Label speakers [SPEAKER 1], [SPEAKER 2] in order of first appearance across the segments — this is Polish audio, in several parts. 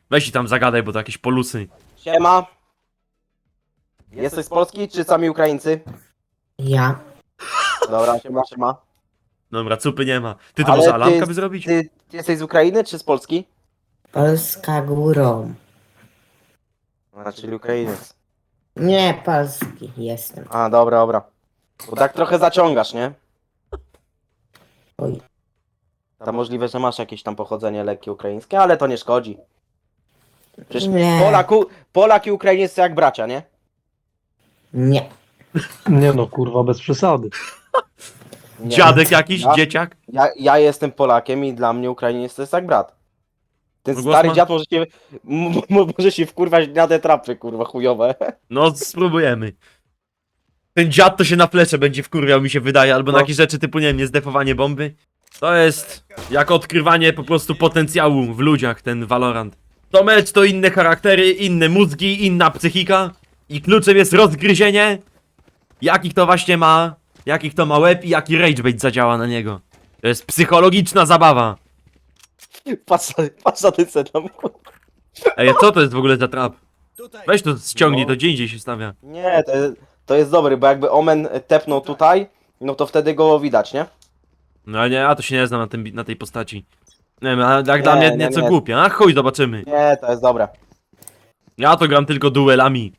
[SPEAKER 1] Weź i tam zagadaj, bo to jakieś polusy.
[SPEAKER 2] Siema. Jesteś z Polski, czy sami Ukraińcy?
[SPEAKER 3] Ja.
[SPEAKER 2] Dobra, siema.
[SPEAKER 1] Dobra, cupy nie ma. Ty to
[SPEAKER 2] Ale
[SPEAKER 1] może alarmka by zrobić?
[SPEAKER 2] Ty jesteś z Ukrainy, czy z Polski?
[SPEAKER 3] Polska górą.
[SPEAKER 2] A, czyli Ukrainiec.
[SPEAKER 3] Nie, polski jestem.
[SPEAKER 2] A, dobra. Bo tak trochę zaciągasz, nie?
[SPEAKER 3] Oj.
[SPEAKER 2] To możliwe, że masz jakieś tam pochodzenie lekkie ukraińskie, ale to nie szkodzi. Przecież
[SPEAKER 3] Nie.
[SPEAKER 2] Polak i Ukrainiec to jak bracia, nie?
[SPEAKER 3] Nie.
[SPEAKER 4] Nie no, kurwa, bez przesady.
[SPEAKER 2] Nie.
[SPEAKER 1] Dziadek jakiś,
[SPEAKER 2] Ja?
[SPEAKER 1] dzieciak?
[SPEAKER 2] Ja jestem Polakiem i dla mnie Ukrainiec to jest jak brat. Ten
[SPEAKER 1] No głos
[SPEAKER 2] stary
[SPEAKER 1] ma-
[SPEAKER 2] dziad może się wkurwać na te trapy, kurwa, chujowe.
[SPEAKER 1] No, spróbujemy. Ten dziad to się na flesze będzie wkurwiał, mi się wydaje, albo na
[SPEAKER 2] No.
[SPEAKER 1] jakieś rzeczy typu, nie wiem, niezdefowanie bomby. To jest jak odkrywanie po prostu potencjału w ludziach, ten Valorant. To mecz to inne charaktery, inne mózgi, inna psychika. I kluczem jest rozgryzienie, jakich to właśnie ma, jakich to ma łeb i jaki ragebait zadziała na niego. To jest psychologiczna zabawa.
[SPEAKER 2] Patrz na ten set tam.
[SPEAKER 1] Ej, co to jest w ogóle za trap? Weź to ściągnij,
[SPEAKER 2] No.
[SPEAKER 1] to gdzie indziej się stawia.
[SPEAKER 2] Nie, to jest dobry, bo jakby Omen tepnął tutaj, no to wtedy go widać, nie?
[SPEAKER 1] No ale nie, ja to się nie znam na tej postaci. Nie wiem, a jak dla mnie
[SPEAKER 2] nie,
[SPEAKER 1] nieco
[SPEAKER 2] nie.
[SPEAKER 1] głupie. A chuj, zobaczymy.
[SPEAKER 2] Nie, to jest dobre.
[SPEAKER 1] Ja to gram tylko duelami.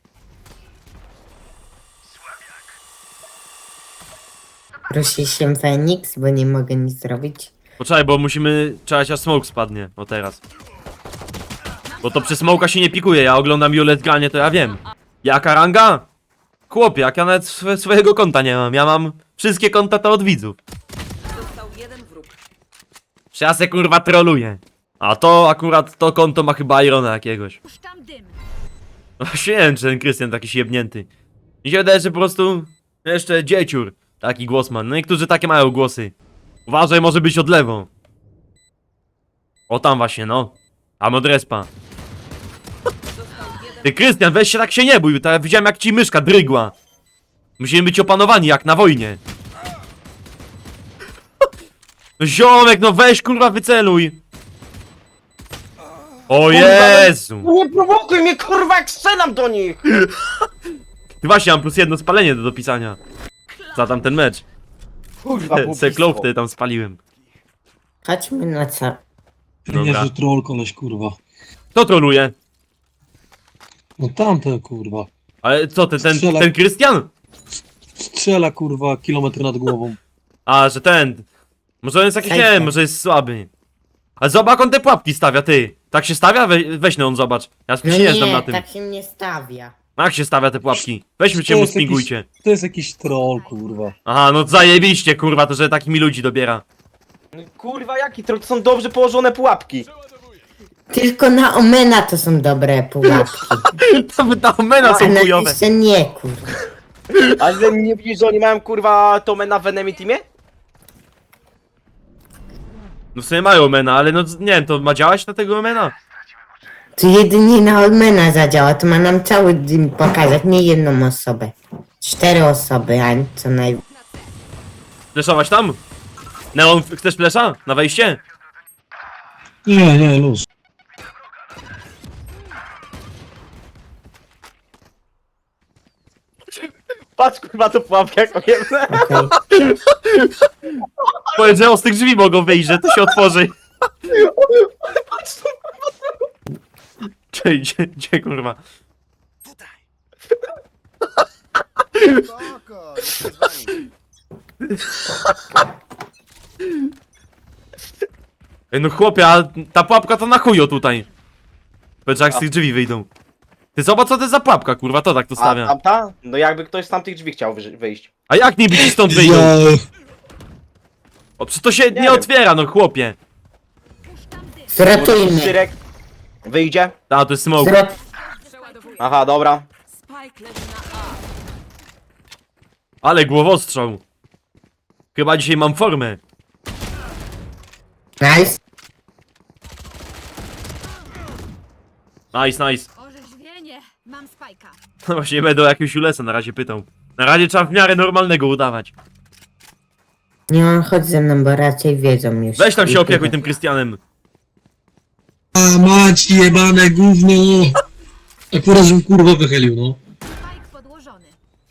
[SPEAKER 3] Prosi się Feniks, bo nie mogę nic zrobić.
[SPEAKER 1] Poczekaj, bo musimy czekać aż smoke spadnie. O teraz. Bo to przez smoka się nie pikuje, ja oglądam Julet granie, to ja wiem. Jaka ranga? Chłopie, jak ja nawet swojego konta nie mam. Ja mam wszystkie konta to od widzów.
[SPEAKER 5] Został jeden wróg.
[SPEAKER 1] Czy ja se kurwa troluję. A to akurat to konto ma chyba Irona jakiegoś.
[SPEAKER 5] Puszczam dym.
[SPEAKER 1] Właśnie nie wiem, czy ten Krystian taki jebnięty. Mi się wydaje, że po prostu jeszcze dzieciur taki głos ma. No niektórzy takie mają głosy. Uważaj, może być od lewo. O tam właśnie, no. A modrespa. Ty Krystian, weź się tak się nie bój, tak widziałem jak ci myszka drygła. Musimy być opanowani jak na wojnie. No ziomek, no weź kurwa wyceluj. O Jezu.
[SPEAKER 2] No nie prowokuj mnie, kurwa, jak strzelam do nich!
[SPEAKER 1] Ty właśnie, mam plus jedno spalenie do dopisania. Za tamten mecz.
[SPEAKER 2] Kurwa,
[SPEAKER 1] Se klow wtedy tam spaliłem.
[SPEAKER 3] Chodźmy na co?
[SPEAKER 1] Dobra.
[SPEAKER 4] Niezły troll koleś, kurwa.
[SPEAKER 1] Kto troluje?
[SPEAKER 4] No tamte, kurwa.
[SPEAKER 1] Ale co, ten
[SPEAKER 4] Strzela.
[SPEAKER 1] Krystian?
[SPEAKER 4] Strzela, kurwa, kilometr nad głową.
[SPEAKER 1] A, że ten. Może on jest jakiś, nie
[SPEAKER 3] Hejter.
[SPEAKER 1] wiem, może jest słaby. Ale zobacz, jak on te pułapki stawia, ty. Tak się stawia? Weź no on zobacz. Ja
[SPEAKER 3] No
[SPEAKER 1] się nie znam na tym.
[SPEAKER 3] tak się nie stawia.
[SPEAKER 1] Jak się stawia te pułapki? Weźmy cię,
[SPEAKER 4] To
[SPEAKER 1] mu
[SPEAKER 4] jest jakiś-
[SPEAKER 1] spingujcie.
[SPEAKER 4] To jest jakiś troll, kurwa.
[SPEAKER 1] Aha, no zajebiście, kurwa, to że takimi ludzi dobiera.
[SPEAKER 2] Kurwa, jaki to są dobrze położone pułapki.
[SPEAKER 3] Tylko na Omena to są dobre pułapki.
[SPEAKER 1] To mena
[SPEAKER 3] A
[SPEAKER 1] są
[SPEAKER 3] na
[SPEAKER 1] chujowe.
[SPEAKER 3] jeszcze nie, kurwa.
[SPEAKER 2] Ale nie widzisz, że oni mają, kurwa, to Omena w enemy teamie?
[SPEAKER 1] No w sumie mają mena, ale no nie wiem, to ma działać na tego mena?
[SPEAKER 3] To jedynie na Omena zadziała, to ma nam cały dzień pokazać, nie jedną osobę. 4 osoby, a co naj...
[SPEAKER 1] Fleszować tam? Neon, chcesz flesza? Na wejście?
[SPEAKER 4] Nie, luz.
[SPEAKER 2] Patrz, kurwa, to pułapka jak ojemne.
[SPEAKER 3] Okej.
[SPEAKER 1] Powiedz, że z tych drzwi mogą wyjść, że to się otworzy. Gdzie kurwa?
[SPEAKER 6] Spoko, jestem z wami.
[SPEAKER 1] Ej, no chłopie, a ta pułapka to na chujo tutaj. Powiedz, jak z tych drzwi wyjdą. Ty zobacz, co to jest za pułapka, kurwa, to tak to
[SPEAKER 2] A
[SPEAKER 1] stawia.
[SPEAKER 2] tamta? No jakby ktoś z tamtych drzwi chciał wyjść.
[SPEAKER 1] A jak niby ci stąd wyjdą?
[SPEAKER 4] Ja...
[SPEAKER 1] O, przecież to się nie
[SPEAKER 2] wiem.
[SPEAKER 1] otwiera, no chłopie.
[SPEAKER 3] Zratujmy.
[SPEAKER 2] Cyrek wyjdzie.
[SPEAKER 1] A, to jest smoke.
[SPEAKER 5] Przeładowuję.
[SPEAKER 2] Aha, dobra.
[SPEAKER 5] Spike leży na A.
[SPEAKER 1] Ale głowostrzał. Chyba dzisiaj mam formę.
[SPEAKER 3] Nice.
[SPEAKER 1] Nice.
[SPEAKER 5] Orzeźwienie. Mam spajka.
[SPEAKER 1] No właśnie będę o jakiegoś ulesa na razie pytał. Na razie trzeba w miarę normalnego udawać.
[SPEAKER 3] Nie, on chodź ze mną, bo raczej wiedzą już.
[SPEAKER 1] Weź tam się
[SPEAKER 3] I
[SPEAKER 1] opiekuj
[SPEAKER 3] tyle.
[SPEAKER 1] tym Krystianem.
[SPEAKER 4] mać jebane gówno! Akurat, żebym kurwa wychylił, no.
[SPEAKER 5] Spike podłożony.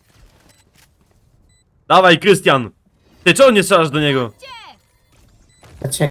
[SPEAKER 1] Dawaj, Krystian! Ty czemu nie strzelasz do niego?
[SPEAKER 3] Poczekaj.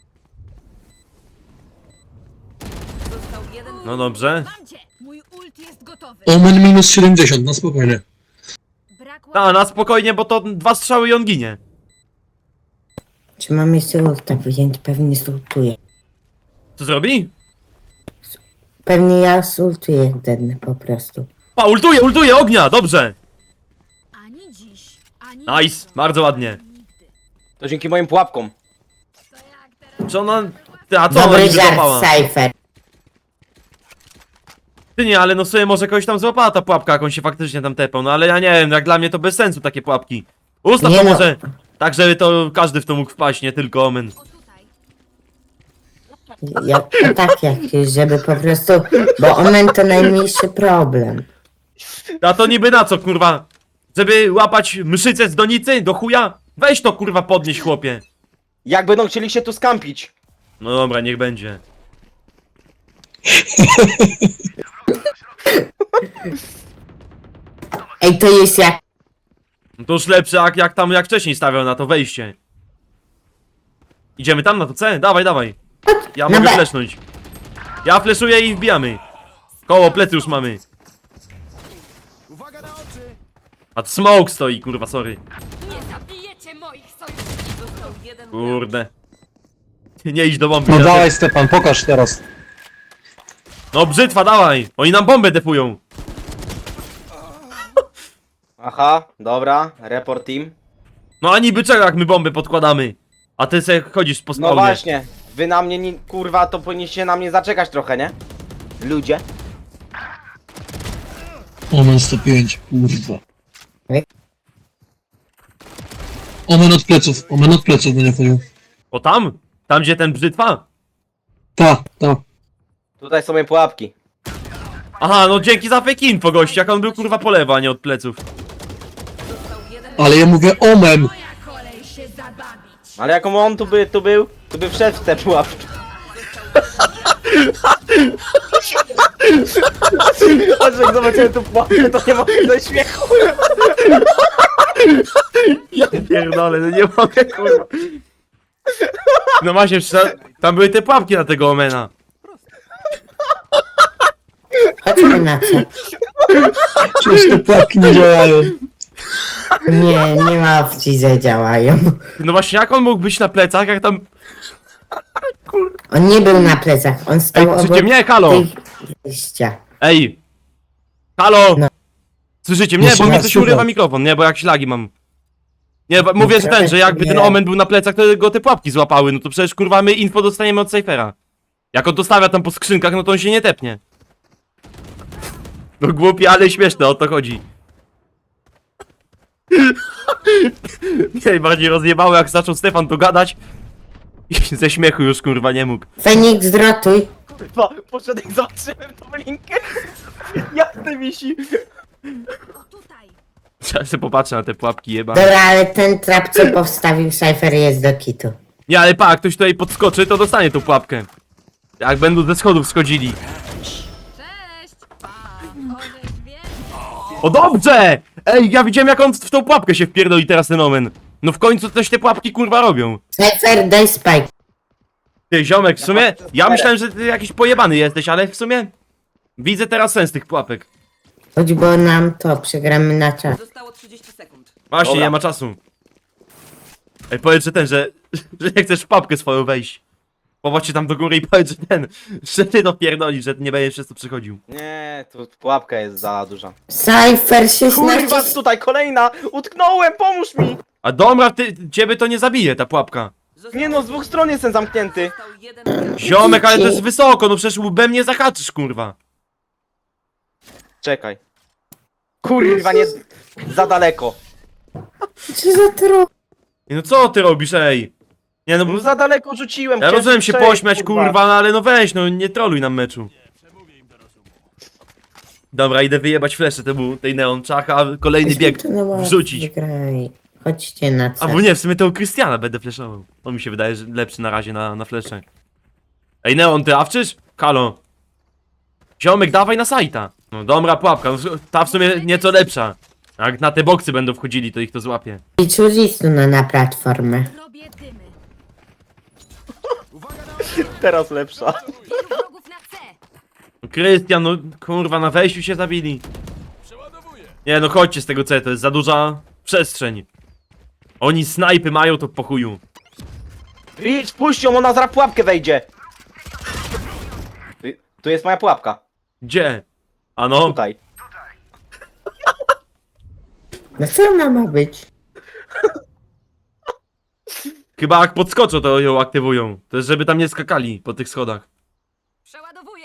[SPEAKER 5] Został jeden
[SPEAKER 1] No
[SPEAKER 5] wróg.
[SPEAKER 1] dobrze.
[SPEAKER 5] Mam cię! Mój ult jest gotowy.
[SPEAKER 4] Omen minus 70, na spokojnie.
[SPEAKER 5] Brak
[SPEAKER 1] A, na spokojnie, bo to 2 strzały i on ginie.
[SPEAKER 3] Czy mam jeszcze ulta wziąć? Pewnie zultuję.
[SPEAKER 1] Co zrobi?
[SPEAKER 3] Pewnie ja zultuję jeden po prostu.
[SPEAKER 1] Pa, ultuje, ognia, dobrze!
[SPEAKER 5] Ani dziś, ani
[SPEAKER 1] Nice, bardzo ładnie.
[SPEAKER 5] nigdy.
[SPEAKER 2] To dzięki moim pułapkom.
[SPEAKER 5] To jak teraz?
[SPEAKER 1] Czy ona... Ty, a co ona
[SPEAKER 3] Dobry
[SPEAKER 1] niby
[SPEAKER 3] żart,
[SPEAKER 1] złapała?
[SPEAKER 3] Cypher.
[SPEAKER 1] Ty nie, ale no sobie może kogoś tam złapała ta pułapka, jak on się faktycznie tam tepał, no ale ja nie wiem, jak dla mnie to bez sensu takie pułapki. Ustaw
[SPEAKER 3] Nie
[SPEAKER 1] to
[SPEAKER 3] no.
[SPEAKER 1] może tak, żeby to każdy w to mógł wpaść, nie tylko Omen.
[SPEAKER 5] O tutaj.
[SPEAKER 3] Ja, tak jakieś, żeby po prostu... Bo Omen to najmniejszy problem.
[SPEAKER 1] A to niby na co, kurwa? Żeby łapać mszycę z donicy do chuja? Weź to, kurwa, podnieś, chłopie.
[SPEAKER 2] Jak będą chcieli się tu skampić?
[SPEAKER 1] No dobra, niech będzie.
[SPEAKER 3] Ej, to jest jak...
[SPEAKER 1] No to już lepsze, jak wcześniej stawiał na to wejście. Idziemy tam na to C? Dawaj, dawaj. Ja
[SPEAKER 3] Na
[SPEAKER 1] mogę
[SPEAKER 3] B.
[SPEAKER 1] flesznąć. Ja fleszuję i wbijamy. Koło, plecy już mamy. A smoke stoi, kurwa, sorry.
[SPEAKER 5] Nie zabijecie moich sojuszników. Został jeden wróg.
[SPEAKER 1] Kurde. Nie idź do bomby.
[SPEAKER 4] No
[SPEAKER 1] ja
[SPEAKER 4] dawaj Stepan, pokaż teraz.
[SPEAKER 1] No brzytwa, dawaj! Oni nam bombę defują.
[SPEAKER 2] Aha, dobra, report team.
[SPEAKER 1] No a niby czego, jak my bomby podkładamy? A ty se chodzisz po
[SPEAKER 2] No
[SPEAKER 1] spawnie.
[SPEAKER 2] właśnie, wy na mnie, kurwa, to powinniście na mnie zaczekać trochę, nie? Ludzie.
[SPEAKER 4] Omen 105, kurwa.
[SPEAKER 3] Ej.
[SPEAKER 4] Omen od pleców będzie chodził.
[SPEAKER 1] O tam? Tam gdzie ten brzytwa?
[SPEAKER 4] Ta.
[SPEAKER 2] Tutaj są moje pułapki.
[SPEAKER 1] Aha, no dzięki za fake info, gość, jak on był kurwa po lewo, a nie od pleców.
[SPEAKER 5] Został jeden
[SPEAKER 4] Ale ja mówię Omen!
[SPEAKER 5] Moja kolej się zabawić.
[SPEAKER 2] Ale jaką on tu by wszedł w te pułapki. Aż jak zobaczyłem tu pułapkę, to nie mogę ze śmiechu.
[SPEAKER 1] Ja pierdolę, no nie mogę, kurwa. No właśnie, tam były te pułapki na tego Omena.
[SPEAKER 3] Chodźmy na co?
[SPEAKER 4] Przecież te płatki nie działają.
[SPEAKER 3] Nie ma opcji, że działają.
[SPEAKER 1] No właśnie, jak on mógł być na plecach, jak tam...
[SPEAKER 3] On nie był na plecach, on
[SPEAKER 1] Ej,
[SPEAKER 3] stał
[SPEAKER 1] słyszycie
[SPEAKER 3] obok
[SPEAKER 1] mnie? Halo!
[SPEAKER 3] tych wyjścia.
[SPEAKER 1] Ej! Halo!
[SPEAKER 3] No.
[SPEAKER 1] Słyszycie mnie?
[SPEAKER 4] No
[SPEAKER 1] Bo
[SPEAKER 4] słuchaj,
[SPEAKER 1] mi coś
[SPEAKER 4] słuchaj.
[SPEAKER 1] urywa mikrofon, nie? Bo jakieś lagi mam. Nie, bo mówię, że ten, że jakby ten
[SPEAKER 3] nie.
[SPEAKER 1] Omen był na plecach, to go te pułapki złapały, no to przecież kurwa my info dostaniemy od Cyphera. Jak on to stawia tam po skrzynkach, no to on się nie tepnie. No głupi, ale śmieszne, o to chodzi. Mnie najbardziej rozjebało, jak zaczął Stefan to gadać. I ze śmiechu już kurwa nie mógł.
[SPEAKER 3] Feniks, zrotuj.
[SPEAKER 2] Kurwa, poszedłem jak zobaczyłem tą linkę. Jak to wisi.
[SPEAKER 5] O tutaj.
[SPEAKER 1] Trzeba sobie popatrzeć na te pułapki jebane.
[SPEAKER 3] Dobra, ale ten trap, co powstawił Cypher, jest do kitu.
[SPEAKER 1] Nie, ale pa, jak ktoś tutaj podskoczy, to dostanie tą pułapkę. Jak będą ze schodów schodzili.
[SPEAKER 5] Cześć. Pa. Orzeźwienie.
[SPEAKER 1] O dobrze! Ej, ja widziałem jak on w tą pułapkę się wpierdoli teraz ten Omen. No w końcu coś te pułapki kurwa robią.
[SPEAKER 3] Cypher, daj spike.
[SPEAKER 1] Ty ziomek, w sumie, ja myślałem, że ty jakiś pojebany jesteś, ale w sumie widzę teraz sens tych pułapek.
[SPEAKER 3] Chodź, bo nam to przegramy na czas.
[SPEAKER 5] Zostało 30 sekund.
[SPEAKER 1] Właśnie,
[SPEAKER 2] Dobra.
[SPEAKER 1] nie ma czasu. Ej, powiedz, że ten, że nie chcesz w pułapkę swoją wejść. Popatrzcie tam do góry i powiedz, że ty to pierdolisz, że ty nie będziesz przez to przychodził.
[SPEAKER 2] Nie, tu pułapka jest za duża.
[SPEAKER 3] Cypher 16...
[SPEAKER 2] Kurwa, tutaj kolejna! Utknąłem, pomóż mi!
[SPEAKER 1] A dobra, ciebie to nie zabije ta pułapka.
[SPEAKER 5] Został
[SPEAKER 2] Nie no, z dwóch stron jestem zamknięty.
[SPEAKER 5] Został jeden wróg.
[SPEAKER 1] Ziomek, ale to jest wysoko, no przecież łbem nie zahaczysz, kurwa.
[SPEAKER 2] Czekaj. Kurwa, nie... Za daleko.
[SPEAKER 3] Co za tro...
[SPEAKER 1] Ej, no co ty robisz, ej? Nie no, bo
[SPEAKER 2] No za daleko rzuciłem.
[SPEAKER 1] ja
[SPEAKER 2] chciałem
[SPEAKER 1] rozumiem się
[SPEAKER 2] strzelić,
[SPEAKER 1] pośmiać, kurwa, no ale no weź, no nie troluj nam meczu. Dobra, idę wyjebać fleszę tej neon czaka, a kolejny bieg
[SPEAKER 3] To na ławce
[SPEAKER 1] wrzucić.
[SPEAKER 3] Wygraj. Chodźcie na
[SPEAKER 1] A
[SPEAKER 3] co.
[SPEAKER 1] bo nie, w sumie tego Krystiana będę fleszował. On mi się wydaje, że lepszy na razie na flesze. Ej, Neon, ty awczysz? Halo. Ziomek, dawaj na sajta. No dobra, pułapka, no, ta w sumie nieco lepsza. Jak na te boksy będą wchodzili, to ich to złapie.
[SPEAKER 3] I czulistu na platformę.
[SPEAKER 5] Robię dymy.
[SPEAKER 2] Teraz lepsza.
[SPEAKER 5] Wielu wrogów na C.
[SPEAKER 1] No, Krystian, no kurwa, na wejściu się zabili. Nie no, chodźcie z tego C, to jest za duża przestrzeń. Oni snajpy mają, to po chuju.
[SPEAKER 2] Idź, puść ją, ona zaraz w pułapkę wejdzie. Tu jest moja pułapka.
[SPEAKER 1] Gdzie? Ano?
[SPEAKER 2] Tutaj.
[SPEAKER 3] No co ona ma być?
[SPEAKER 1] Chyba jak podskoczą, to ją aktywują. To jest, żeby tam nie skakali po tych schodach.
[SPEAKER 5] Przeładowuję.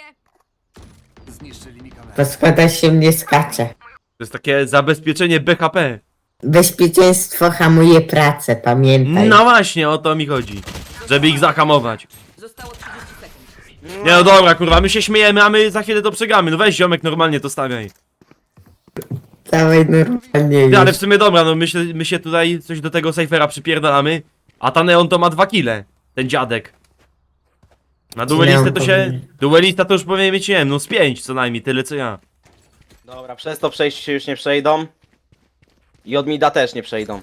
[SPEAKER 3] Po schodach się nie skacze.
[SPEAKER 1] To jest takie zabezpieczenie BHP.
[SPEAKER 3] Bezpieczeństwo hamuje pracę, pamiętaj.
[SPEAKER 1] No właśnie, o to mi chodzi. Żeby ich zahamować.
[SPEAKER 5] Zostało 30 sekund.
[SPEAKER 1] Nie no dobra, kurwa, my się śmiejemy, a my za chwilę to przegramy. No weź ziomek, normalnie to stawiaj.
[SPEAKER 3] Dawaj normalnie
[SPEAKER 1] Ty, ale
[SPEAKER 3] już.
[SPEAKER 1] w sumie dobra, no my się tutaj coś do tego Cyphera przypierdalamy. A ta Neon to ma 2 kile. Ten dziadek. Na duelistę to się...
[SPEAKER 3] powinien.
[SPEAKER 1] Duelista to już powinien mieć, nie wiem, no z 5 co najmniej, tyle co ja.
[SPEAKER 2] Dobra, przez to przejść się już nie przejdą. I od mida też nie przejdą.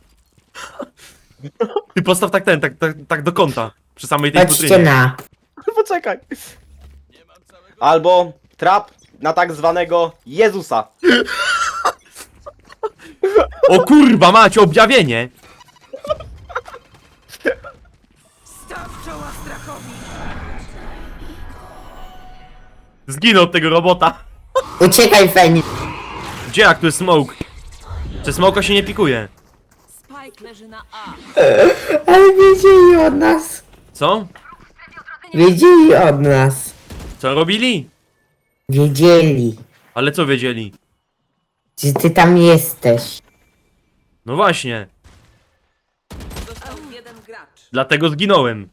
[SPEAKER 1] Ty postaw tak tak do kąta. Przy samej tej
[SPEAKER 3] Chodźcie
[SPEAKER 1] futrynie.
[SPEAKER 3] na.
[SPEAKER 2] Poczekaj. Albo trap na tak zwanego Jezusa.
[SPEAKER 1] O kurwa, macie objawienie!
[SPEAKER 5] Staw czoła strachowi.
[SPEAKER 1] Zginął od tego robota.
[SPEAKER 3] Uciekaj, Fenix.
[SPEAKER 1] Gdzie, jak tu jest smoke? Czy smoka się nie pikuje?
[SPEAKER 5] Spike leży na A.
[SPEAKER 3] Ale wiedzieli od nas.
[SPEAKER 1] Co?
[SPEAKER 3] Wiedzieli od nas.
[SPEAKER 1] Co robili?
[SPEAKER 3] Wiedzieli,
[SPEAKER 1] Ale co wiedzieli?
[SPEAKER 3] że ty tam jesteś.
[SPEAKER 1] No właśnie,
[SPEAKER 5] Został jeden gracz.
[SPEAKER 1] dlatego zginąłem.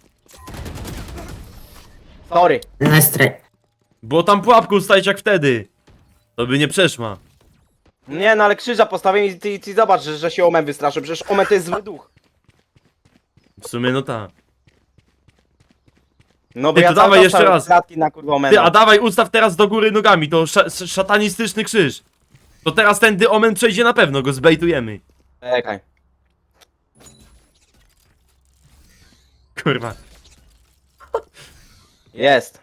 [SPEAKER 2] Sorry.
[SPEAKER 3] Na stra...
[SPEAKER 1] Było tam pułapkę ustawić jak wtedy. To by nie przeszła.
[SPEAKER 2] Nie no, ale krzyża postawię i ty zobacz, że się Omen wystraszy. Przecież Omen to jest zły duch.
[SPEAKER 1] W sumie no ta.
[SPEAKER 2] No bo
[SPEAKER 1] Ty,
[SPEAKER 2] ja
[SPEAKER 1] to
[SPEAKER 2] cały
[SPEAKER 1] dawaj
[SPEAKER 2] czas
[SPEAKER 1] jeszcze
[SPEAKER 2] stałem
[SPEAKER 1] raz.
[SPEAKER 2] klatki na kurwa Omena.
[SPEAKER 1] Ty, a dawaj ustaw teraz do góry nogami, to szatanistyczny krzyż. To teraz tędy Omen przejdzie na pewno, go zbejtujemy.
[SPEAKER 2] Czekaj.
[SPEAKER 1] Kurwa.
[SPEAKER 2] Jest.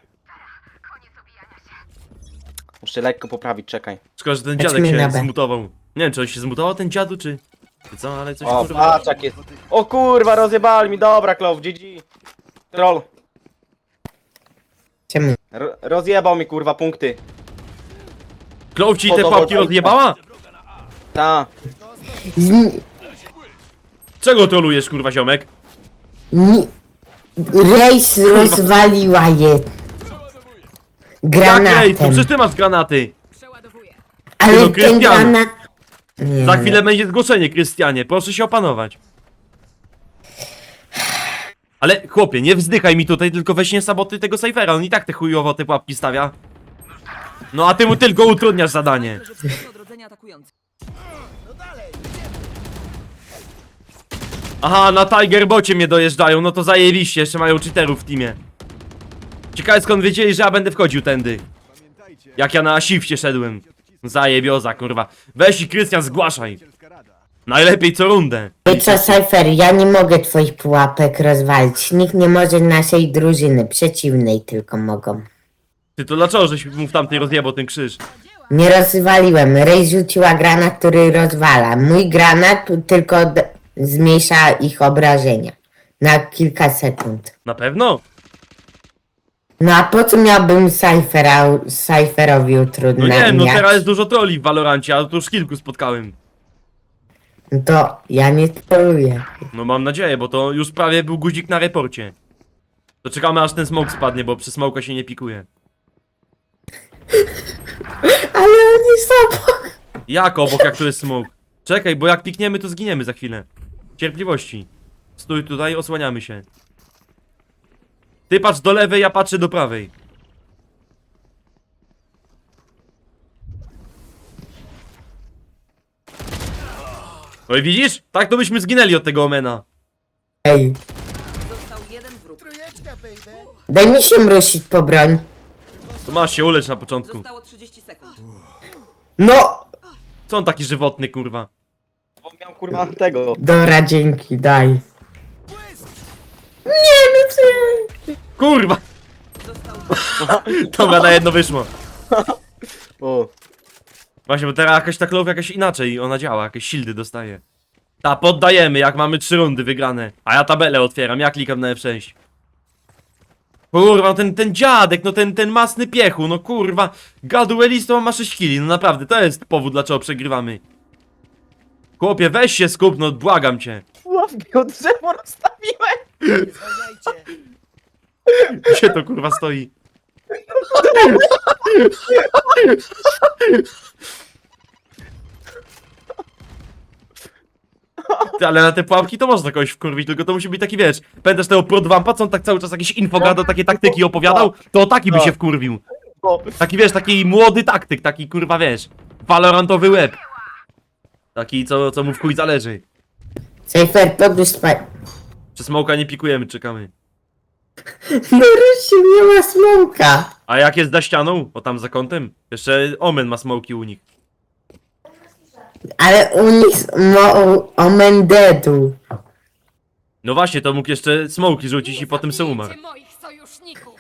[SPEAKER 2] Muszę lekko poprawić, czekaj.
[SPEAKER 1] Szkoda, że ten
[SPEAKER 3] Chodźmy
[SPEAKER 1] dziadek
[SPEAKER 3] na
[SPEAKER 1] się
[SPEAKER 3] B.
[SPEAKER 1] zmutował. Nie wiem, czy on się zmutował, ten dziadu, czy co, ale coś
[SPEAKER 2] O,
[SPEAKER 1] kurwa.
[SPEAKER 2] patrz jak jest. O kurwa, rozjebali mi, dobra, Klow, GG. Troll.
[SPEAKER 3] Czemu?
[SPEAKER 2] Rozjebał mi kurwa punkty.
[SPEAKER 1] Klow ci te pułapki
[SPEAKER 2] Fotowoltaika.
[SPEAKER 1] rozjebała?
[SPEAKER 2] Ta.
[SPEAKER 3] Z...
[SPEAKER 1] Czego trolujesz, kurwa, ziomek?
[SPEAKER 3] Ni... Rejs rozwaliła je.
[SPEAKER 1] Jak ej, to
[SPEAKER 3] Granatem.
[SPEAKER 1] przecież ty masz granaty.
[SPEAKER 5] Przeładowuję.
[SPEAKER 3] Ale
[SPEAKER 1] No,
[SPEAKER 3] ten
[SPEAKER 1] Krystian.
[SPEAKER 3] granat... Nie.
[SPEAKER 1] Za chwilę będzie zgłoszenie, Krystianie, proszę się opanować. Ale chłopie, nie wzdychaj mi tutaj, tylko weź nie sabotuj tego Cyphera, on i tak te chujowo te pułapki stawia. No a ty mu tylko utrudniasz zadanie.
[SPEAKER 5] Leży w punkcie odrodzenia atakujący.
[SPEAKER 1] Aha, na Tigerbocie mnie dojeżdżają, no to zajebiście, jeszcze mają cheaterów w teamie. Ciekawe skąd wiedzieli, że ja będę wchodził tędy. Jak ja na shifcie szedłem. Zajebioza, kurwa. Weź i Krystian, zgłaszaj. Najlepiej co rundę.
[SPEAKER 3] I co, Cypher, ja nie mogę twoich pułapek rozwalić. Nikt nie może naszej drużyny, przeciwnej tylko mogą.
[SPEAKER 1] Ty to dlaczego żeś mu w tamtej rozjebał ten krzyż?
[SPEAKER 3] Nie rozwaliłem. Rej rzuciła granat, który rozwala. Mój granat tylko zmniejsza ich obrażenia. Na kilka sekund.
[SPEAKER 1] Na pewno?
[SPEAKER 3] No a po co miałbym Cypherowi
[SPEAKER 1] No
[SPEAKER 3] utrudniać?
[SPEAKER 1] nie wiem, no teraz jest dużo troli w Valorancie, a tu już kilku spotkałem.
[SPEAKER 3] No to ja nie troluję.
[SPEAKER 1] No mam nadzieję, bo to już prawie był guzik na reporcie. To czekamy aż ten smoke spadnie, bo przy smoka się nie pikuje.
[SPEAKER 3] Ale oni są...
[SPEAKER 1] Jak obok, jak tu jest smoke? Czekaj, bo jak pikniemy, to zginiemy za chwilę. Cierpliwości. Stój tutaj, osłaniamy się. Ty patrz do lewej, ja patrzę do prawej. No i widzisz? Tak to byśmy zginęli od tego Omena.
[SPEAKER 3] Ej,
[SPEAKER 5] Został jeden wróg.
[SPEAKER 3] Daj mi się mrusić po broń.
[SPEAKER 1] To masz się ulecz na początku.
[SPEAKER 5] Zostało 30 sekund.
[SPEAKER 3] No!
[SPEAKER 1] Co on taki żywotny, kurwa?
[SPEAKER 2] Bo miał kurwa tego.
[SPEAKER 3] Dobra, dzięki, daj. Nie, no co ja...
[SPEAKER 1] Kurwa!
[SPEAKER 5] Został
[SPEAKER 1] Dobra, na jedno wyszło.
[SPEAKER 2] O.
[SPEAKER 1] Właśnie, bo teraz jakaś ta klow jakaś inaczej ona działa, jakieś shieldy dostaje. Ta, poddajemy, jak mamy 3 rundy wygrane. A ja tabelę otwieram, ja klikam na F6. Kurwa, no ten dziadek, no ten masny piechu, no kurwa. Gaduelistą ma 6 killi, no naprawdę, to jest powód, dlaczego przegrywamy. Chłopie, weź się skup, no błagam cię.
[SPEAKER 2] Łapki od drzewo rozstawiłem.
[SPEAKER 1] Gdzie to kurwa stoi? Ty, ale na te pułapki to można kogoś wkurwić, tylko to musi być taki, wiesz, pamiętasz tego Prodwampa, co on tak cały czas jakieś info gadał, takie taktyki opowiadał? To o taki by się wkurwił.
[SPEAKER 2] O.
[SPEAKER 1] Taki, wiesz, taki młody taktyk, taki kurwa, wiesz, valorantowy łeb. Taki, co mu w chuj zależy.
[SPEAKER 3] Cyfer, podłóż spaj...
[SPEAKER 1] Czy smoka nie pikujemy, czekamy.
[SPEAKER 3] No Rysiu, nie ma smoka.
[SPEAKER 1] A jak jest za ścianą? O tam za kątem? Jeszcze Omen ma smoki u nich.
[SPEAKER 3] Ale u nich omen deadu.
[SPEAKER 1] No właśnie, to mógł jeszcze smoki rzucić i potem se umarł.
[SPEAKER 5] Zabijcie moich sojuszników.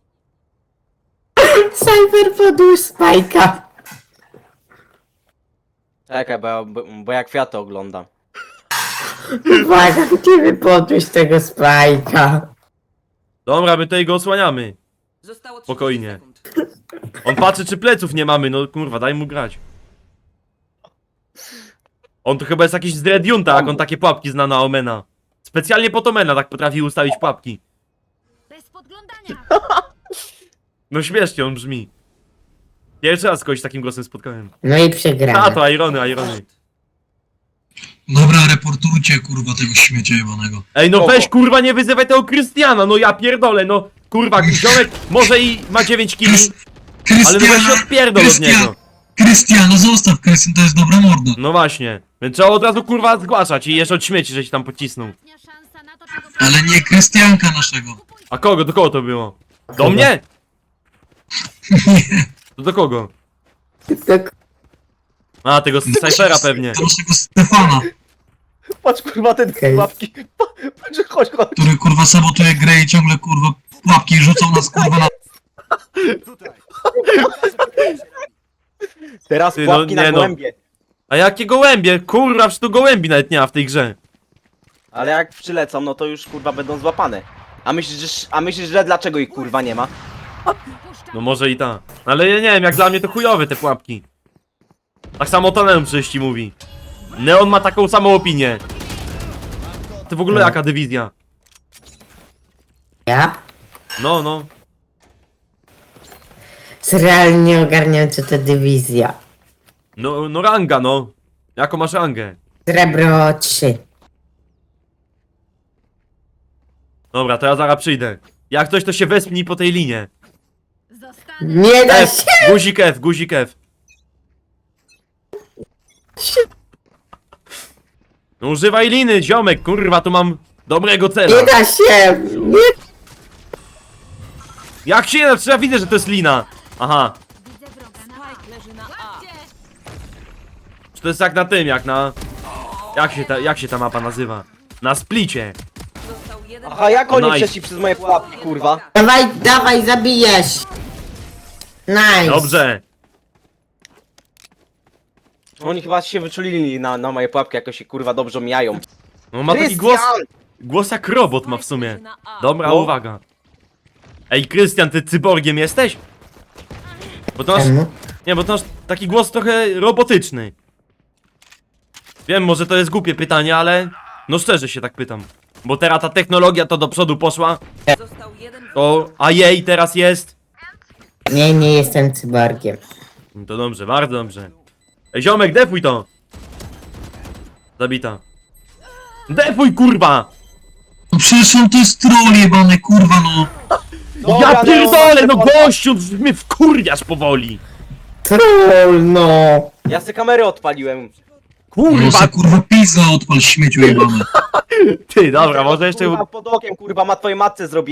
[SPEAKER 3] Cyfer, podłóż spajka.
[SPEAKER 2] Czekaj, bo ja kwiaty oglądam.
[SPEAKER 3] Uwaga, kiedy podłóż tego spajka.
[SPEAKER 1] Dobra, my tutaj go osłaniamy.
[SPEAKER 5] Zostało 30
[SPEAKER 1] Spokojnie.
[SPEAKER 5] sekund.
[SPEAKER 1] On patrzy, czy pleców nie mamy, no kurwa, daj mu grać. On to chyba jest jakiś z Red Junta, jak on takie pułapki zna na Omena. Specjalnie pod Omena tak potrafi ustawić pułapki.
[SPEAKER 5] Bez podglądania.
[SPEAKER 1] No śmiesznie on brzmi. Pierwszy raz kogoś takim głosem spotkałem.
[SPEAKER 3] No i
[SPEAKER 1] A,
[SPEAKER 3] przegrana.
[SPEAKER 1] to Irony.
[SPEAKER 4] Dobra, reportujcie kurwa tego śmiecia jebanego.
[SPEAKER 1] Ej, no weź kurwa, nie wyzywaj tego Krystiana, no ja pierdolę, no. Kurwa, ziomek może i ma 9 kili, ale no weź się odpierdol od niego.
[SPEAKER 4] Krystiano, zostaw Krystian, to jest dobra morda.
[SPEAKER 1] No właśnie. Więc trzeba od razu kurwa zgłaszać i jeszcze od śmieci, że ci tam pocisnął.
[SPEAKER 5] Szansa na to, czego
[SPEAKER 4] Ale nie Krystianka naszego.
[SPEAKER 1] A kogo? Do kogo to było? Do mnie? To do kogo?
[SPEAKER 3] Tak,
[SPEAKER 1] A, tego Cyphera pewnie.
[SPEAKER 4] Do naszego Stefana,
[SPEAKER 2] Patrz kurwa te
[SPEAKER 3] Okej.
[SPEAKER 2] łapki. Patrz, chodź.
[SPEAKER 4] który kurwa sabotuje grę i ciągle kurwa pułapki rzucą nas kurwa na...
[SPEAKER 2] Teraz
[SPEAKER 1] Ty, no,
[SPEAKER 2] łapki
[SPEAKER 1] nie
[SPEAKER 2] na
[SPEAKER 1] no.
[SPEAKER 2] gołębie.
[SPEAKER 1] A jakie gołębie? Kurwa, przecież tu gołębi nawet nie ma w tej grze.
[SPEAKER 2] Ale jak przylecą, no to już kurwa będą złapane. A myślisz, że dlaczego ich kurwa nie ma?
[SPEAKER 1] No może i ta. Ale ja nie wiem, jak dla mnie to chujowe te pułapki. Tak samo to Neon przecież ci mówi. Neon ma taką samą opinię. Ty w ogóle jaka dywizja?
[SPEAKER 3] ja?
[SPEAKER 1] No.
[SPEAKER 3] Realnie ogarniam, co to dywizja.
[SPEAKER 1] No ranga, no. Jaką masz rangę?
[SPEAKER 3] Srebro 3.
[SPEAKER 1] Dobra, to ja zaraz przyjdę. Jak ktoś to się wespnij po tej linie.
[SPEAKER 5] zostanę.
[SPEAKER 3] Nie da
[SPEAKER 1] F,
[SPEAKER 3] się!
[SPEAKER 1] guzik F. No używaj liny, ziomek, kurwa, tu mam dobrego cela.
[SPEAKER 3] Nie da się! Nie!
[SPEAKER 1] Jak się nie da? Ja widzę, że to jest lina. Aha.
[SPEAKER 5] Widzę wroga na A. Leży na A.
[SPEAKER 1] Czy to jest jak na tym, jak na... Jak się ta mapa nazywa? Na splicie.
[SPEAKER 5] Został jeden.
[SPEAKER 2] Aha, jak oni
[SPEAKER 1] Nice.
[SPEAKER 2] przeszli przez moje pułapki, kurwa?
[SPEAKER 3] Dawaj, zabijesz! Nice!
[SPEAKER 1] Dobrze.
[SPEAKER 2] Oni chyba się wyczulili na moje pułapki, jakoś się kurwa dobrze mijają.
[SPEAKER 1] No ma taki głos jak robot ma w sumie. Dobra,
[SPEAKER 2] No.
[SPEAKER 1] uwaga. Ej, Krystian, ty cyborgiem jesteś? Bo to masz...
[SPEAKER 3] Czemu?
[SPEAKER 1] Nie, bo to masz taki głos trochę robotyczny. Wiem, może to jest głupie pytanie, ale... No szczerze się tak pytam. Bo teraz ta technologia to do przodu poszła,
[SPEAKER 5] Został jeden.
[SPEAKER 1] to... A jej teraz jest...
[SPEAKER 3] Nie jestem cyborgiem.
[SPEAKER 1] No to dobrze, bardzo dobrze. Ej, ziomek, defuj to! Zabita. Defuj, kurwa!
[SPEAKER 4] No przecież on to jest troll jebany kurwa no.
[SPEAKER 1] Ja
[SPEAKER 2] Dobra,
[SPEAKER 1] pierdolę, no
[SPEAKER 2] kurwa.
[SPEAKER 1] gościu, mnie wkurwiasz powoli!
[SPEAKER 3] Troll, no!
[SPEAKER 2] Ja se kamery odpaliłem.
[SPEAKER 4] No
[SPEAKER 1] Kurwa,
[SPEAKER 4] se kurwa pizza odpal śmieciu jebany.
[SPEAKER 1] ty, dobra, może jeszcze...
[SPEAKER 2] Kurwa, pod okiem kurwa, ma twojej matce zrobiłem.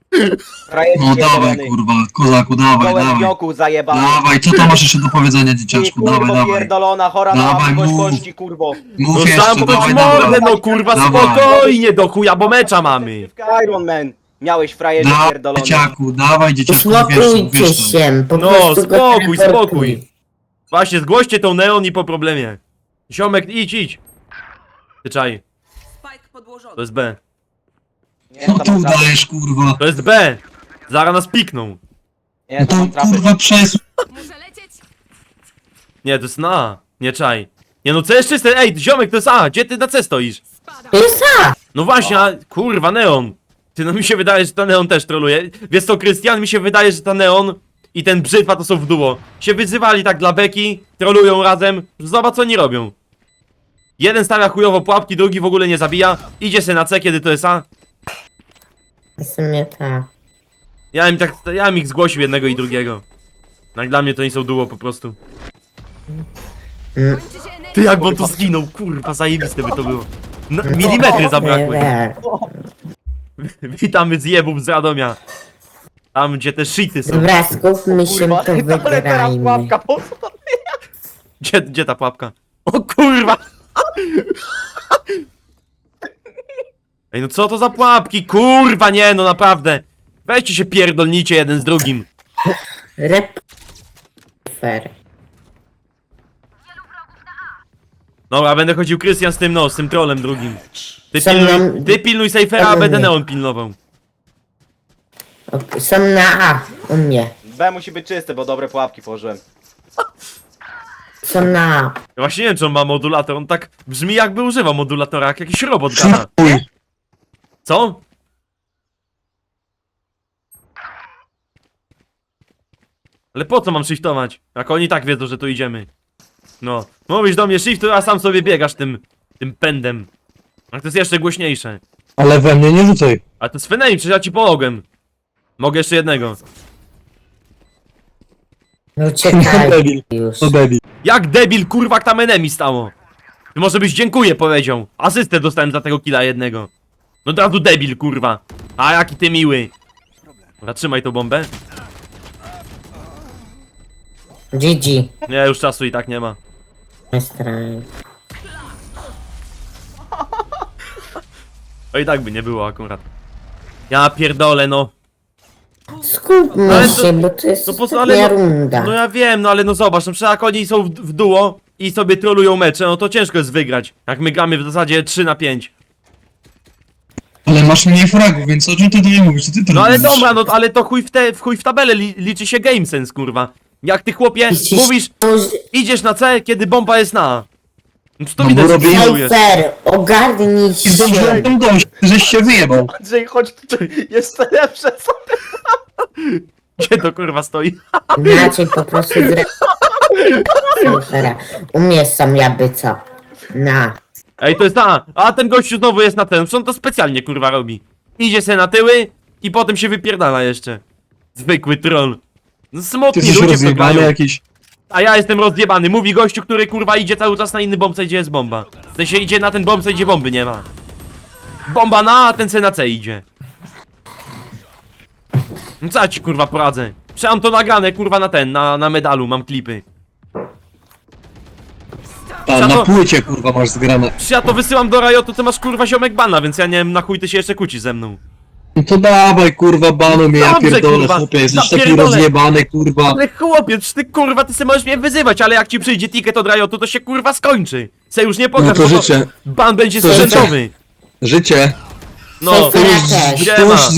[SPEAKER 2] Frajer
[SPEAKER 4] No dawaj
[SPEAKER 2] pierdolony.
[SPEAKER 4] kurwa, kozaku, dawaj,
[SPEAKER 2] Kołem
[SPEAKER 4] dawaj.
[SPEAKER 2] wioku zajebany.
[SPEAKER 4] Dawaj, co tam masz jeszcze do powiedzenia,
[SPEAKER 2] Ty
[SPEAKER 4] dzieciaczku? Dawaj,
[SPEAKER 2] kurwo
[SPEAKER 4] dawaj.
[SPEAKER 2] pierdolona, chora na
[SPEAKER 4] Dawaj,
[SPEAKER 2] łapkość
[SPEAKER 4] mów.
[SPEAKER 2] kości, kurwo.
[SPEAKER 4] Mów
[SPEAKER 1] No
[SPEAKER 4] jeszcze,
[SPEAKER 1] zamknąć
[SPEAKER 4] dawaj,
[SPEAKER 1] mordę,
[SPEAKER 4] dawaj.
[SPEAKER 1] no kurwa,
[SPEAKER 4] Dawaj.
[SPEAKER 1] spokojnie, do chuja, bo mecza mamy.
[SPEAKER 2] Iron Man. Miałeś frajerze
[SPEAKER 4] Dawaj,
[SPEAKER 2] pierdolony.
[SPEAKER 4] dzieciaku, dawaj, dzieciaczku,
[SPEAKER 3] Uspokójcie się, po
[SPEAKER 1] No,
[SPEAKER 3] prostu go
[SPEAKER 1] spokój,
[SPEAKER 3] teleportuj.
[SPEAKER 1] spokój. Właśnie, zgłoście tą neon i po problemie. Ziomek, idź. Ty czaj,
[SPEAKER 5] Spike podłożony.
[SPEAKER 1] to jest B.
[SPEAKER 2] Nie,
[SPEAKER 4] No
[SPEAKER 2] to
[SPEAKER 4] tu
[SPEAKER 2] mam trapy.
[SPEAKER 4] dajesz, kurwa.
[SPEAKER 1] To jest B. Zaraz nas pikną.
[SPEAKER 2] Nie,
[SPEAKER 4] No
[SPEAKER 2] to
[SPEAKER 4] to
[SPEAKER 2] mam trapy.
[SPEAKER 4] kurwa przesuń.
[SPEAKER 5] Muszę lecieć.
[SPEAKER 1] Nie, to jest na A. Nie czaj. Nie no, co jest czyste? Ej, ziomek, to jest A. Gdzie ty na C stoisz?
[SPEAKER 5] Spadam.
[SPEAKER 3] To jest A!
[SPEAKER 1] No właśnie, a, kurwa, neon. Ty, no mi się wydaje, że ta neon też troluje. Wiesz co, Krystian, mi się wydaje, że ta neon i ten brzytwa to są w duo. Się wyzywali tak dla beki, trolują razem. Zobacz, co oni robią. Jeden stawia chujowo pułapki, drugi w ogóle nie zabija. Idzie se na C, kiedy to jest A.
[SPEAKER 3] W sumie tak.
[SPEAKER 1] Ja bym ich zgłosił jednego i drugiego. Jak dla mnie to nie są duo po prostu.
[SPEAKER 5] Kończy się energia.
[SPEAKER 1] Ty jakby on tu zginął, kurwa, zajebiste by to było. No, milimetry zabrakło. Witamy z jebów z Radomia. Tam gdzie te shity są.
[SPEAKER 3] Dobra, skupmy się,
[SPEAKER 2] Kurwa,
[SPEAKER 3] to
[SPEAKER 2] ale teraz
[SPEAKER 3] wygrajmy.
[SPEAKER 2] pułapka poszła.
[SPEAKER 1] Gdzie ta pułapka? O kurwa! Ej, no co to za pułapki? Kurwa, nie, no naprawdę. Weźcie się pierdolnicie jeden z drugim.
[SPEAKER 3] Reper.
[SPEAKER 1] Dobra, będę chodził Krystian z tym, no, z tym trolem drugim. Ty pilnuj Sejfera, a będę neon pilnował.
[SPEAKER 3] Są na A, u mnie.
[SPEAKER 2] B musi być czyste, bo dobre pułapki położyłem.
[SPEAKER 3] Są na A.
[SPEAKER 1] Ja właśnie nie wiem, czy on ma modulator, on tak brzmi jakby używał modulatora, jak jakiś robot gada.
[SPEAKER 4] Chuj.
[SPEAKER 1] Co? Ale po co mam shiftować? Jak oni tak wiedzą, że tu idziemy. No, mówisz do mnie shiftuj, a sam sobie biegasz tym pędem. A to jest jeszcze głośniejsze.
[SPEAKER 4] Ale we mnie nie rzucaj.
[SPEAKER 1] A to jest Fenei, przecież ja ci pomogłem. Mogę jeszcze jednego.
[SPEAKER 3] No czekaj
[SPEAKER 4] debil.
[SPEAKER 3] już.
[SPEAKER 4] To debil.
[SPEAKER 1] Jak debil, kurwa, tam enemy stało. Ty może byś dziękuję powiedział. Asystę dostałem za tego killa jednego. No od razu debil, kurwa. A jaki ty miły. Dobra, trzymaj tą bombę.
[SPEAKER 3] GG.
[SPEAKER 1] Nie, już czasu i tak nie ma.
[SPEAKER 3] Strajk.
[SPEAKER 1] To i tak by nie było akurat. Ja pierdolę, no.
[SPEAKER 3] Skupmy
[SPEAKER 1] Ale to-
[SPEAKER 3] się, bo to jest
[SPEAKER 1] No po co,
[SPEAKER 3] ostatnia
[SPEAKER 1] ale
[SPEAKER 3] runda.
[SPEAKER 1] no ja wiem, no ale no zobacz, no przecież jak oni są w duo i sobie trolują mecze, no to ciężko jest wygrać. Jak my gramy w zasadzie 3-5.
[SPEAKER 4] Ale masz mniej fragów, więc o czym ty tutaj mówisz? Co ty to
[SPEAKER 1] No ale
[SPEAKER 4] robisz?
[SPEAKER 1] dobra, no ale to chuj w tabelę liczy się game sense, kurwa. Jak ty chłopie mówisz, idziesz na C, kiedy bomba jest na A. No to
[SPEAKER 4] No
[SPEAKER 1] widać,
[SPEAKER 4] bo
[SPEAKER 1] że
[SPEAKER 4] robię-
[SPEAKER 1] trolujesz.
[SPEAKER 3] Sejfer, ogarnij się.
[SPEAKER 4] Zdążyłem tam dojść, żeś się wyjebał.
[SPEAKER 2] Andrzej, chodź tutaj, jeszcze lepsze są.
[SPEAKER 1] Gdzie to kurwa stoi?
[SPEAKER 3] Inaczej po prostu Sejfera. U mnie są jakby co. Na.
[SPEAKER 1] Ej, to jest ta, a ten gościu znowu jest na ten, przecież on to specjalnie kurwa robi. Idzie se na tyły i potem się wypierdala jeszcze. Zwykły troll. No
[SPEAKER 4] Ty
[SPEAKER 1] smutni
[SPEAKER 4] jesteś
[SPEAKER 1] ludzie w to
[SPEAKER 4] rozjebany
[SPEAKER 1] grają.
[SPEAKER 4] jakiś.
[SPEAKER 1] A ja jestem rozjebany. Mówi gościu, który kurwa idzie cały czas na inny bombsite, gdzie jest bomba. W sensie idzie na ten bombsite, gdzie bomby nie ma. Bomba na A, a ten se na C idzie. No co ja ci kurwa poradzę? Przecież mam to nagrane kurwa na ten, na medalu, mam klipy.
[SPEAKER 4] Ta, na płycie kurwa masz zgrane.
[SPEAKER 1] Przecież ja to wysyłam do Riotu, ty masz kurwa ziomek bana, więc ja nie wiem na chuj ty się jeszcze kłócisz ze mną.
[SPEAKER 4] No to dawaj kurwa banu mnie, ja
[SPEAKER 1] Dobrze,
[SPEAKER 4] pierdolę
[SPEAKER 1] kurwa,
[SPEAKER 4] chłopie, jesteś taki
[SPEAKER 1] napierdolę.
[SPEAKER 4] rozjebany kurwa.
[SPEAKER 1] Ale chłopie, przecież ty kurwa, ty se możesz mnie wyzywać, ale jak ci przyjdzie ticket od Riotu, to się kurwa skończy. Se już nie pokaż,
[SPEAKER 4] No to
[SPEAKER 1] bo
[SPEAKER 4] życzę.
[SPEAKER 1] ban będzie
[SPEAKER 4] To życzę.
[SPEAKER 1] sprzętowy.
[SPEAKER 4] Życie.
[SPEAKER 1] No,
[SPEAKER 3] Sejfera też.
[SPEAKER 1] gdzie
[SPEAKER 4] Ty
[SPEAKER 1] ma?
[SPEAKER 4] musisz